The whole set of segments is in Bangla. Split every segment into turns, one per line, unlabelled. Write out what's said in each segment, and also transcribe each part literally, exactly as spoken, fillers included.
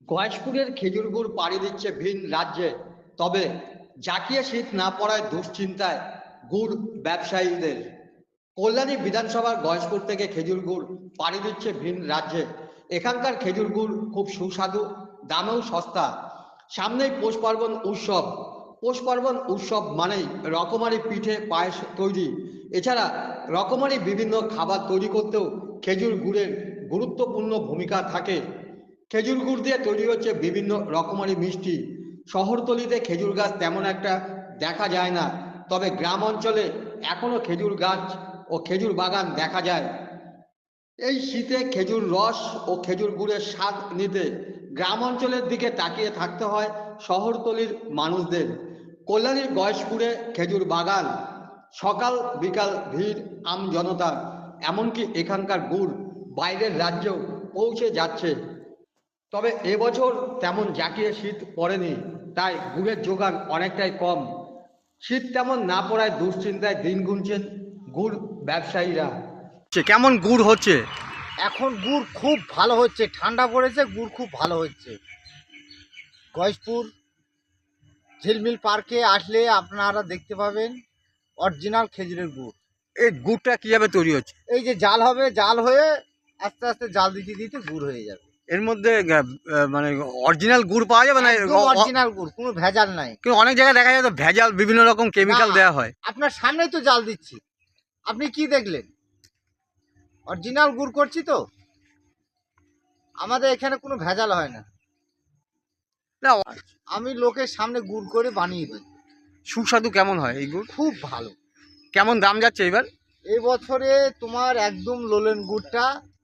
গয়েশপুরের খেজুর গুড় পাড়ি দিচ্ছে ভিন রাজ্যে। তবে জাকিয়ে শীত না পড়ায় দুশ্চিন্তায় গুড় ব্যবসায়ীদের। কল্যাণী বিধানসভার গয়েশপুর থেকে খেজুর গুড় পাড়ি দিচ্ছে ভিন রাজ্যে। এখানকার খেজুর গুড় খুব সুস্বাদু, দামেও সস্তা। সামনেই পৌষ পার্বণ উৎসব। পৌষ পার্বণ উৎসব মানেই রকমারি পিঠে পায়েস তৈরি। এছাড়া রকমারি বিভিন্ন খাবার তৈরি করতেও খেজুর গুড়ের গুরুত্বপূর্ণ ভূমিকা থাকে। খেজুর গুড় দিয়ে তৈরি হচ্ছে বিভিন্ন রকমারি মিষ্টি। শহরতলিতে খেজুর গাছ তেমন একটা দেখা যায় না, তবে গ্রাম অঞ্চলে এখনো খেজুর গাছ ও খেজুর বাগান দেখা যায়। এই শীতে খেজুর রস ও খেজুর গুড়ের স্বাদ নিতে গ্রাম অঞ্চলের দিকে তাকিয়ে থাকতে হয় শহরতলির মানুষদের। কল্যাণীর গয়েশপুরে খেজুর বাগান, সকাল বিকাল ভিড় আম জনতার। এমনকি এখানকার গুড় বাইরের রাজ্যেও পৌঁছে যাচ্ছে। তবে এবছর তেমন জাঁকিয়ে শীত পড়েনি, তাই গুড়ের যোগান অনেকটাই কম। শীত তেমন না পড়ায় দুশ্চিন্তায় দিন গুনছেন গুড় ব্যবসায়ীরা। কেমন গুড় হচ্ছে?
এখন গুড় খুব ভালো হচ্ছে, ঠান্ডা পড়েছে, গুড় খুব ভালো হচ্ছে। গয়েশপুর ঝিলমিল পার্কে আসলে আপনারা দেখতে পাবেন অরিজিনাল খেজুরের গুড়।
এই গুড়টা কিভাবে তৈরি হচ্ছে?
এই যে জাল হবে, জাল হয়ে আস্তে আস্তে জাল দিতে দিতে গুড় হয়ে যাবে।
এর মধ্যে মানে অরিজিনাল গুড় পাওয়া যাবে না?
অরিজিনাল গুড়, কোনো ভেজাল নাই।
কিন্তু অনেক জায়গায় দেখা যায় তো ভেজাল, বিভিন্ন রকম কেমিক্যাল দেওয়া হয়।
আপনার সামনেই তো জাল দিচ্ছি, আপনি কি দেখলেন? অরিজিনাল গুড় করছি তো, আমাদের এখানে কোনো ভেজাল হয় না।
না,
আমি লোকের সামনে গুড় করে বানিয়ে দিই।
সুস্বাদু কেমন হয় এই গুড়?
খুব ভালো।
কেমন দাম যাচ্ছে এবার?
এই বছরে তোমার একদম লোলেন গুড়টা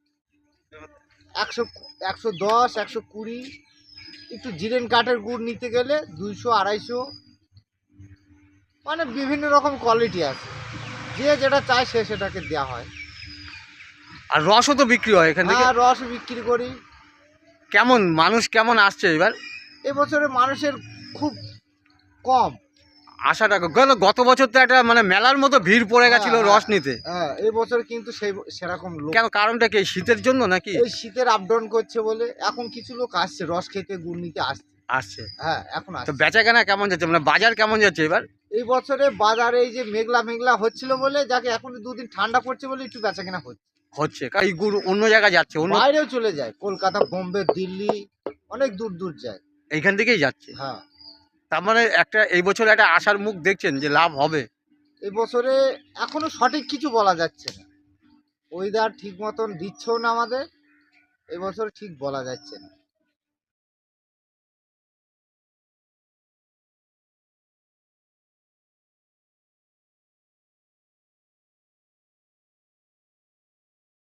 একশো একশো দশ একশো কুড়ি, একটু জিরেন কাঠের গুড় নিতে গেলে দুইশো আড়াইশো, মানে বিভিন্ন রকম কোয়ালিটি আছে, যে যেটা চায় সে সেটাকে দেওয়া হয়।
আর রসও তো বিক্রি হয় এখান থেকে?
হ্যাঁ, রস বিক্রি করি।
কেমন মানুষ কেমন আসছে এবার?
এবছরে মানুষের খুব কম
আশাটা গেল। গত বছর তো একটা মানে মেলার মতো ভিড় পড়ে গেছিল রস নিতে।
হ্যাঁ, এই বছর কিন্তু সেই সেরকম লোক।
কেন, কারণটা কি শীতের জন্য নাকি?
এই শীতের আপ ডাউন করছে বলে এখন কিছু লোক আসছে রস খেতে, গুড় নিতে আসছে
আসছে।
হ্যাঁ, এখন
তো
আসছে।
বেচা কেনা কেমন যাচ্ছে, মানে বাজার কেমন যাচ্ছে এবার?
এই বছরে বাজারে এই যে মেঘলা মেঘলা হচ্ছিল বলে, যাকে এখন দুদিন ঠান্ডা পড়ছে বলে একটু বেচা কেনা হচ্ছে
হচ্ছে কারণ এই গুড় অন্য জায়গায় যাচ্ছে, অন্য
বাইরেও চলে যায়, কলকাতা, বোম্বে, দিল্লি, অনেক দূর দূর যায়।
এইখান থেকেই যাচ্ছে।
হ্যাঁ,
তার মানে একটা এই বছর একটা আশার মুখ দেখছেন যে লাভ হবে?
এই বছরে এখনো সঠিক কিছু বলা যাচ্ছে না, ওয়েদার ঠিক মতন দিচ্ছেও না আমাদের, এবছর ঠিক বলা যাচ্ছে না।